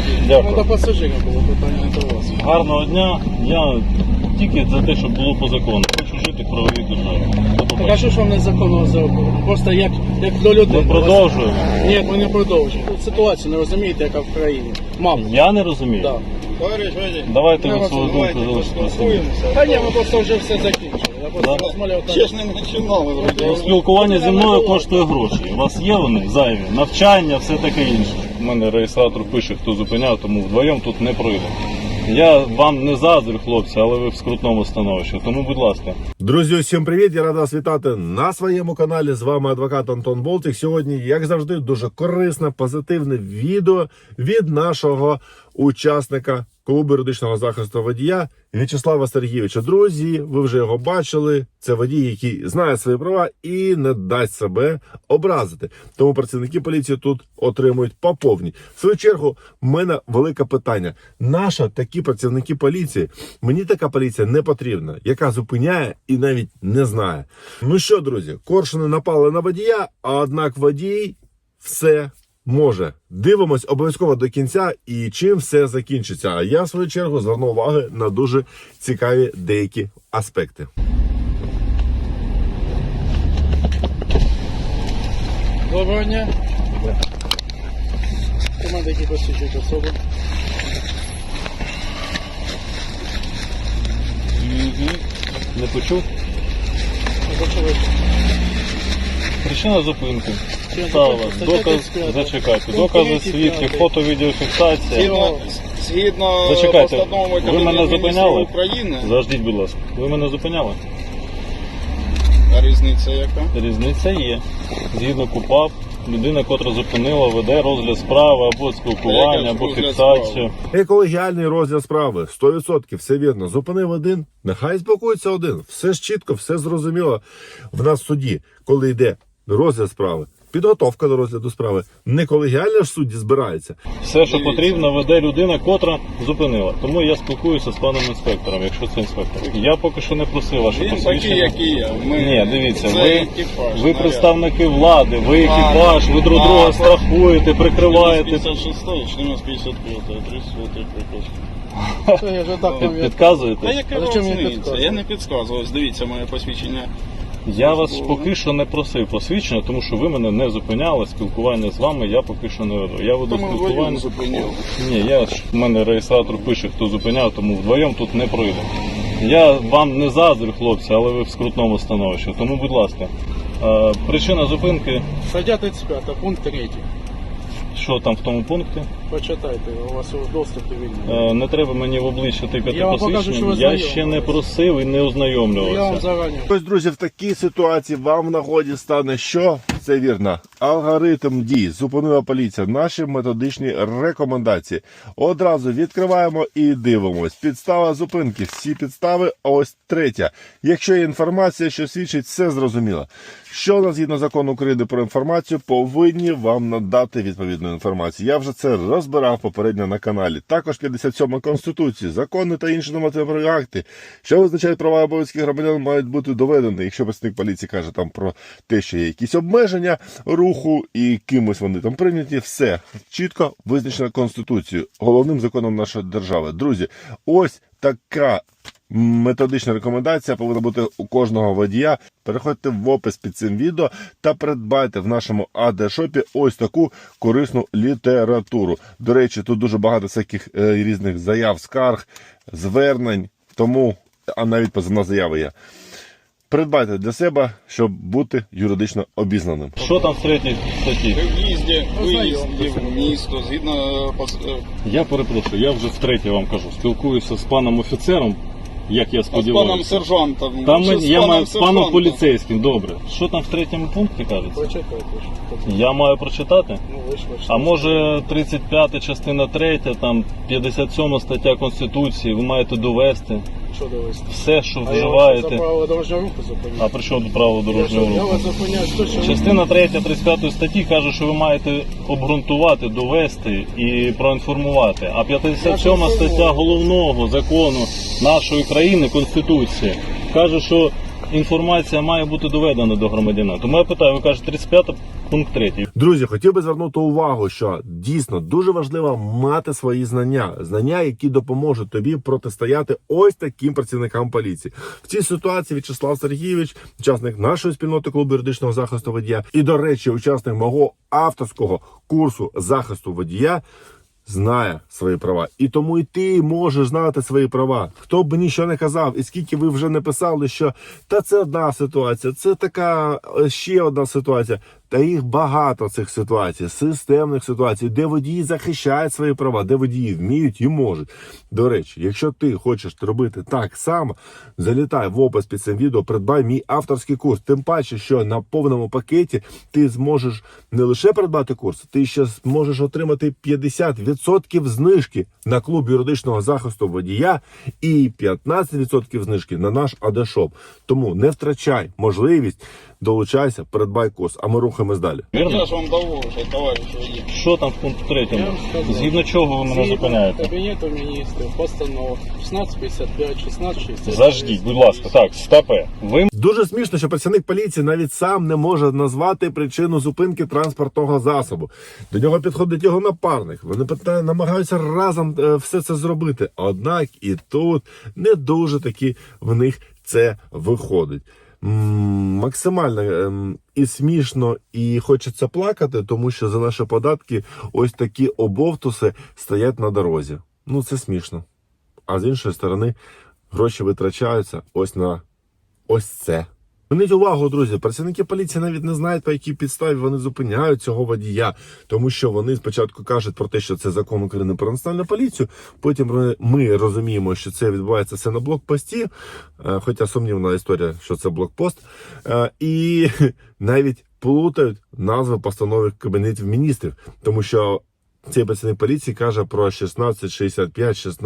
Дякую. До пасажира було питання до вас. Гарного дня. Я тільки за те, щоб було по закону. Хочу жити в правовій державі. До Так а побачення. що ж вам незаконно зробили? Просто як до людей. Ми продовжуємо. Ні, ми не продовжуємо. Тут ситуацію не розумієте, яка в країні. Мам. Я не розумію. Да. Давайте Я ви свою думку залишите при собі. Та ні, ми просто вже все закінчили. Я просто Да? розмовляв так. Чесно, не починали вроді. Ну, спілкування зі мною коштує гроші. У вас є вони зайві? Навчання, все таке інше. У мене реєстратор пише, хто зупиняв, тому вдвоєм тут не пройде. Я вам не заздрю, хлопці, але ви в скрутному становищі. Тому, будь ласка. Друзі, усім привіт! Я рада вас вітати на своєму каналі. З вами адвокат Антон Болтик. Сьогодні, як завжди, дуже корисне, позитивне відео від нашого учасника клубу юридичного захисту водія В'ячеслава Сергійовича. Друзі, ви вже його бачили. Це водій, який знає свої права і не дасть себе образити. Тому працівники поліції тут отримують по повній. В свою чергу, в мене велике питання. Нащо такі працівники поліції? Мені така поліція не потрібна, яка зупиняє і навіть не знає. Ну що, друзі, коршуни напали на водія, а однак водій все може. Дивимось обов'язково до кінця і чим все закінчиться. А я, в свою чергу, зверну увагу на дуже цікаві деякі аспекти. Доброго дня. Команда, які посвідчують особи. Не почув? Не почули. Причина зупинки. Чим Стала. зупинка? Доказ, Стаття 35. зачекайте. Пункт Докази, 3, свідки, 5. фото, відеофіксація. Згідно Зачекайте, постанови ви мене Кабінету зупиняли? Міністрів України, Заждіть, будь ласка. Ви мене зупиняли? а різниця яка? Різниця є. Згідно КУпАП, людина, котра зупинила, веде розгляд справи або спілкування, або розгляд фіксацію. Екологіальний розгляд справи. 100%, все вірно. Зупинив один, нехай спілкується один. Все ж чітко, все зрозуміло. В нас в суді, коли йде розгляд справи, підготовка до розгляду справи, не колегіально ж судді збирається. Все, що Дивіться. потрібно, веде людина, котра зупинила. Тому я спілкуюся з паном інспектором, якщо це інспектор. Я поки що не просив ваше Він такий, посвідчення. як і я. Ні, дивіться, Це ви екіпаж, ви наряд. представники влади, ви екіпаж, ви друг друга Так. страхуєте, прикриваєте. 56, 1455, 34 приказ. Це я вже так пам'ятаю. Підказуєте? Та яка А зачем мені різниця? підказувати? Я не підказував. Дивіться моє посвідчення. Я вас поки що не просив посвідчення, тому що ви мене не зупиняли. Спілкування з вами я поки що не веду. Я веду Тому вдвоєм спілкування. зупиняв. Ні, в мене реєстратор пише, хто зупиняв, тому вдвоєм тут не пройде. Я вам не заздрю, хлопці, але ви в скрутному становищі. Тому, будь ласка, причина зупинки, Стаття 35, пункт 3. що там в тому пункті? Почитайте, у вас доступ вільний. Не треба мені в обличчя тикати Я вам покажу, що посвідчення. ви Я знайомі. ще не просив і не Я вам ознайомлювався. зарані. Ось, друзі, в такій ситуації вам в нагоді стане що? Це вірно. Алгоритм дій. Зупинила поліція. Наші методичні рекомендації. Одразу відкриваємо і дивимось. Підстава зупинки. Всі підстави. Ось третя. Якщо є інформація, що свідчить, все зрозуміло. Що у нас згідно закону України про інформацію, повинні вам надати відповідну інформацію. Я вже це розбирав попередньо на каналі. Також 57 Конституції, закони та інші нормативні акти, що визначають права і обов'язки громадян, мають бути доведені. Якщо працівник поліції каже там про те, що є якісь обмеження руху і кимось вони там прийняті, все чітко визначено Конституцією, головним законом нашої держави. Друзі, ось така методична рекомендація повинна бути у кожного водія. Переходьте в опис під цим відео та придбайте в нашому АД-шопі ось таку корисну літературу. До речі, тут дуже багато всяких різних заяв, скарг, звернень, тому, а навіть позовна заява є. Придбайте для себе, щоб бути юридично обізнаним. Що там в третій статті? При в'їзді, виїзді в місто, згідно Я перепрошую, я вже втретє вам кажу. Спілкуюся з паном офіцером, як я з паном сподіваюся. сержантом. Там Чи з я маю з паном сержантом? поліцейським, добре. Що там в третьому пункті кажеться? Почитайте. що. Я маю прочитати? Ну, ви ж А може 35 частина 3, там 57 стаття Конституції, ви маєте довести Що довести? все, що А я вас за вживаєте. право дорожнього руху А зупиняю. при чому тут право Я дорожнього вас руху? зупиняю, що Частина 3 35 статті каже, що ви маєте обґрунтувати, довести і проінформувати. А 57 стаття головного закону нашої країни, Конституції, каже, що інформація має бути доведена до громадянина. Тому я питаю, ви кажете, 35 пункт 3. Друзі, хотів би звернути увагу, що дійсно дуже важливо мати свої знання, які допоможуть тобі протистояти ось таким працівникам поліції. В цій ситуації В'ячеслав Сергійович, учасник нашої спільноти клубу юридичного захисту водія, і, до речі, учасник мого авторського курсу захисту водія, знає свої права. І тому і ти можеш знати свої права. Хто б нічого не казав, і скільки ви вже не писали, що та це одна ситуація, це така ще одна ситуація. Та їх багато цих ситуацій, системних ситуацій, де водії захищають свої права, де водії вміють і можуть. До речі, якщо ти хочеш робити так само, залітай в опис під цим відео, придбай мій авторський курс. Тим паче, що на повному пакеті ти зможеш не лише придбати курс, ти ще зможеш отримати 50% знижки на клуб юридичного захисту водія і 15% знижки на наш АД-шоп. Тому не втрачай можливість, долучайся, придбай курс, а ми рухаємось далі. Вірно? Я ж вам давав вже, товариш водій. Що там в пункті 3? Я вам сказав. Згідно чого ви мене Згідно зупиняєте? Кабінету міністрів, постанова 1655, 1660. Заждіть, будь ласка. Так, стопе. Ви Дуже смішно, що працівник поліції навіть сам не може назвати причину зупинки транспортного засобу. До нього підходить його напарник. Вони намагаються разом все це зробити. Однак і тут не дуже таки в них це виходить. Максимально і смішно, і хочеться плакати, тому що за наші податки ось такі обовтуси стоять на дорозі. Ну це смішно. А з іншої сторони, гроші витрачаються ось на ось це. Зверніть увагу, друзі, працівники поліції навіть не знають, по якій підставі вони зупиняють цього водія, тому що вони спочатку кажуть про те, що це закон України про національну поліцію, потім ми розуміємо, що це відбувається все на блокпості, хоча сумнівна історія, що це блокпост, і навіть плутають назви постанови Кабінетів міністрів, тому що цей працівник поліції каже про 1665,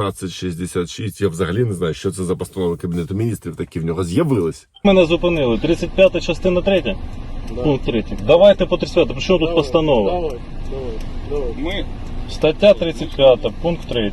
1666. Я взагалі не знаю, що це за постанови Кабінету міністрів, такі в нього з'явились. мене зупинили. 35 частина 3. Да. Пункт 3. Давайте по 35. Про що тут постанова? Давай. Ми Стаття 35, пункт 3.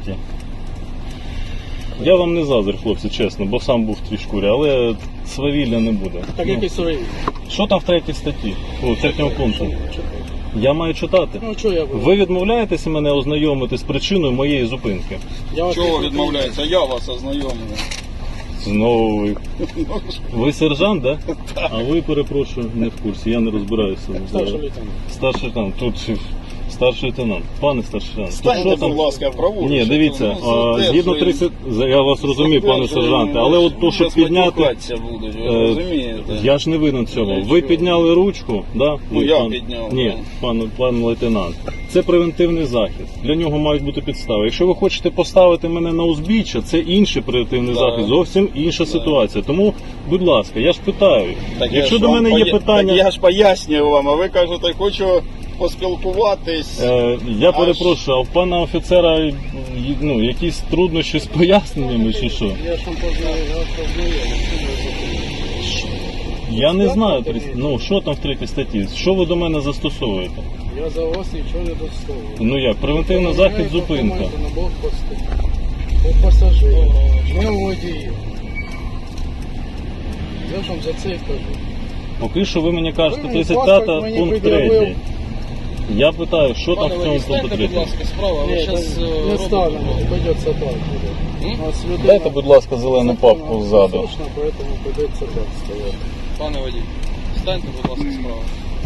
Я вам не заздрю, хлопці, чесно, бо сам був в твій шкурі, але свавілля не буде. Так Ну, який свої? що там в 3 статті? У 3 пункті? Я маю читати. Ну, що я буду? Ви відмовляєтеся мене ознайомити з причиною моєї зупинки? Я вас чого не відмовляється? Я вас ознайомлю. Знову ви. Ви сержант, да? А ви, перепрошую, не в курсі, я не розбираюся. Старший лейтенант. Старший лейтенант, тут старший лейтенант. Пане старший лейтенант, тут Станьте, що там? будь ласка, праворуч. Ні, дивіться, Ну, згідно 30, я вас розумію, пане сержанте, але от то, щоб підняти, будуть, ви е, розумієте? я ж не винен цього. Ви підняли ручку, да? Ну, я підняв, Ні, пан лейтенант. Це превентивний захист. Для нього мають бути підстави. Якщо ви хочете поставити мене на узбіччя, це інший превентивний Да. захист, зовсім інша ситуація. Тому, будь ласка, я ж питаю. Так я Якщо ж до вам мене є питання, Так я ж пояснюю вам, а ви кажете, хочу поспілкуватись. я перепрошую, а в пана офіцера якісь труднощі з поясненнями чи що? Я ж вам познаю. Я не знаю, що там в 3 статті, що ви до мене застосовуєте? Я за вас нічого не доставлю. Ну як, превентивний захист, зупинка. На блокпости. Ви пасажири. Ми водії. Я ж вам за це і кажу. Поки що ви мені кажете Ви мені 35 паспорт мені пункт пред'явив. 3. Я питаю, що там Пане в цьому водій, пункті станьте, 3? будь ласка, справа, ви Ні, зараз не ставимо, придеться так буде. У нас людина Дайте, будь ласка, зелену папку ззаду. Слушно, поэтому придеться так стояти. Пане водій, станьте, будь ласка, справа.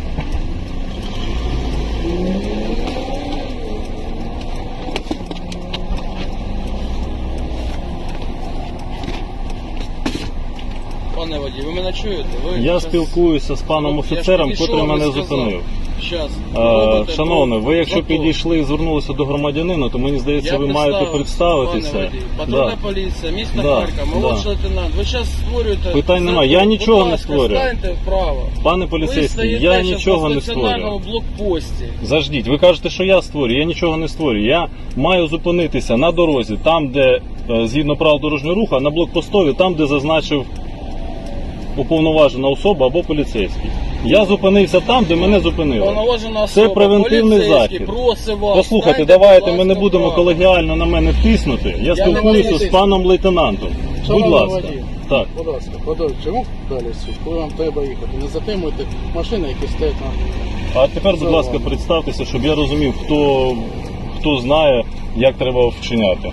Пане водій, ви мене чуєте? Ви Я щас- спілкуюся з паном Я ж офіцером, підійшов, котрий ви мене сказали. зупинив. Щас. Робите Шановний, ви якщо затор. підійшли і звернулися до громадянина, то мені здається, Я ви маєте представитися. Пане водій, патрульна Да. поліція, місто Да, Харків, молодший лейтенант. Ви зараз створюєте... Питань немає. затор. Я нічого Будь не ласка, створюю. Станьте вправо. Пане Ви поліцейський, стоїте я щас нічого на не стаціонарному створюю. блокпості. Заждіть, ви кажете, що я створюю, я нічого не створюю. Я маю зупинитися на дорозі, там, де згідно правил дорожнього руху, а на блокпостові, там, де зазначив уповноважена особа або поліцейський. Я зупинився там, де мене зупинили. Повноважена особа, превентивний поліцейський, захід. просить вас. Послухайте, станьте, давайте будь ми не ласка, будемо вправо. колегіально на мене тиснути. Я не спілкуюся буду з паном лейтенантом. Будь Шановний ласка. водій, Так. Будь ласка, подовжуємо далі суть, коли вам треба їхати. Не затримуйте машини, які стоять на А тепер, будь ласка, представтеся, щоб я розумів, хто знає, як треба вчиняти.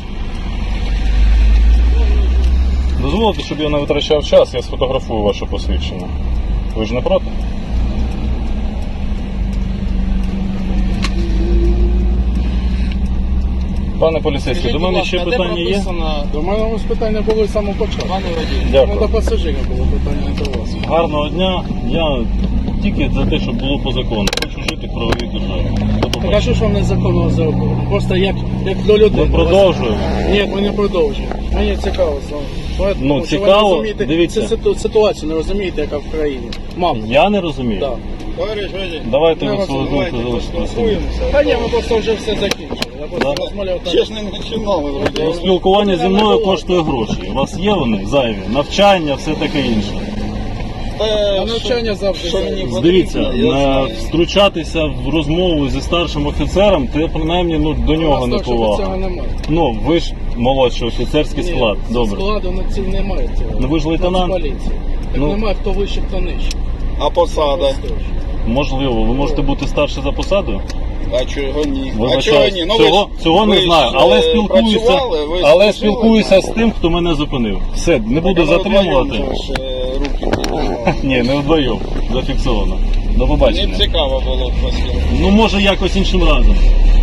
Дозволите, щоб я не витрачав час, я сфотографую ваше посвідчення. Ви ж не проти? Пане поліцейський, до мене ще питання є? До мене ось питання були з самого початку. Пане водій, Дякую. До пасажира було питання до вас. Гарного дня. Я тільки за те, щоб було по закону. Хочу жити в правовій державі. До Так а побачення. що ж вам незаконно зробили? Просто як до людей. Ми продовжуємо. Ні, ми не продовжуємо. Мені цікаво з вами. Ну, Тому що ви цікаво, не розумієте дивіться. цю ситуацію, не розумієте, яка в країні. Мабуть. Я не розумію. Так. Товариш водій, Давайте Я ви свою думку залишите. поспілкуємося. Та ні, ми просто вже все закінчили. Я просто Да? розмовляв так. Ще ж не починали вроді. Ну, спілкування зі мною коштує гроші. У вас є вони зайві? Навчання, все таке інше. Та, навчання завжди що зайве. мені потрібно, Дивіться, я знаю. втручатися в розмову зі старшим офіцером, це принаймні до нього не Цього повага. немає. Ну, ви ж молодший офіцерський склад. Ні, Добре. складу немає цього. Ну, ви ж лейтенант. Нацполіції. Так Ну. немає хто вище, хто нижче. А посада? Можливо, ви можете бути старше за посадою? А чого ні? А Вибачаюсь, чого ні? Ну, цього ви не ж, знаю, але спілкуюся, працювали, ви але служили. спілкуюся з тим, хто мене зупинив. Все, не буду затримувати. Руки піднімали. Ні, не вдвоєм, зафіксовано. До Мені побачення. цікаво було поспілкуватися. Ну, може, якось іншим разом.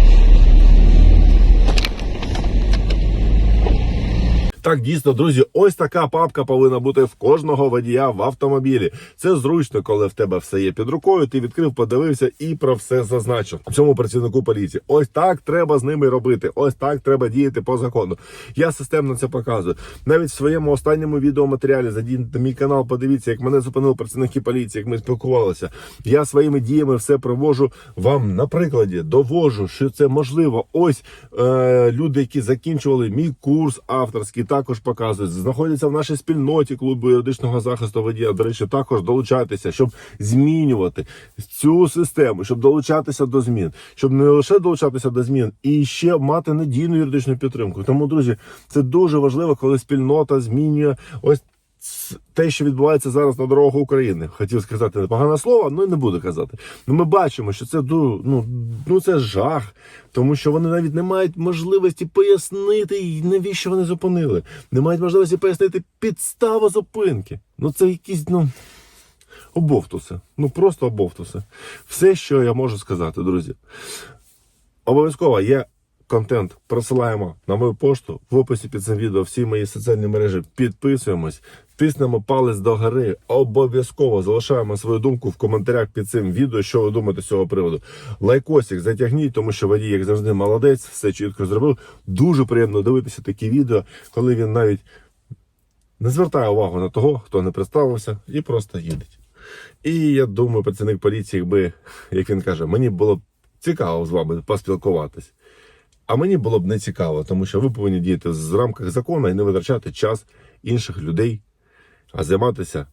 Так, дійсно, друзі, ось така папка повинна бути в кожного водія в автомобілі. Це зручно, коли в тебе все є під рукою, ти відкрив, подивився і про все зазначив. Цьому працівнику поліції. Ось так треба з ними робити. Ось так треба діяти по закону. Я системно це показую. Навіть в своєму останньому відеоматеріалі зайдіть на мій канал, подивіться, як мене зупинили працівники поліції, як ми спілкувалися. Я своїми діями все привожу вам на прикладі, довожу, що це можливо. Ось люди, які закінчували мій курс авторський, також показують, знаходяться в нашій спільноті клубу юридичного захисту водія. До речі, також долучайтеся, щоб змінювати цю систему, щоб долучатися до змін, щоб не лише долучатися до змін, і ще мати надійну юридичну підтримку. Тому, друзі, це дуже важливо, коли спільнота змінює ось те, що відбувається зараз на дорогах України. Хотів сказати непогане слово, але не буду казати. Ну, ми бачимо, що це це жах, тому що вони навіть не мають можливості пояснити, навіщо вони зупинили. Не мають можливості пояснити підставу зупинки. Ну, це якісь, обовтуси. Просто обовтуси. Все, що я можу сказати, друзі. Обов'язково є контент, присилаємо на мою пошту, в описі під цим відео всі мої соціальні мережі, підписуємось, тиснемо палець догори, обов'язково залишаємо свою думку в коментарях під цим відео, що ви думаєте з цього приводу. Лайкосик затягніть, тому що водій, як завжди, молодець, все чітко зробив. Дуже приємно дивитися такі відео, коли він навіть не звертає увагу на того, хто не представився, і просто їдеть. І я думаю, працівник поліції, якби, як він каже, мені було б цікаво з вами поспілкуватись. А мені було б не цікаво, тому що ви повинні діяти в рамках закону і не витрачати час інших людей, а займатися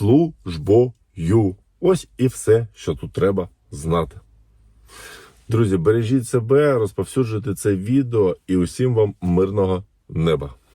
службою. Ось і все, що тут треба знати. Друзі, бережіть себе, розповсюджуйте це відео і усім вам мирного неба.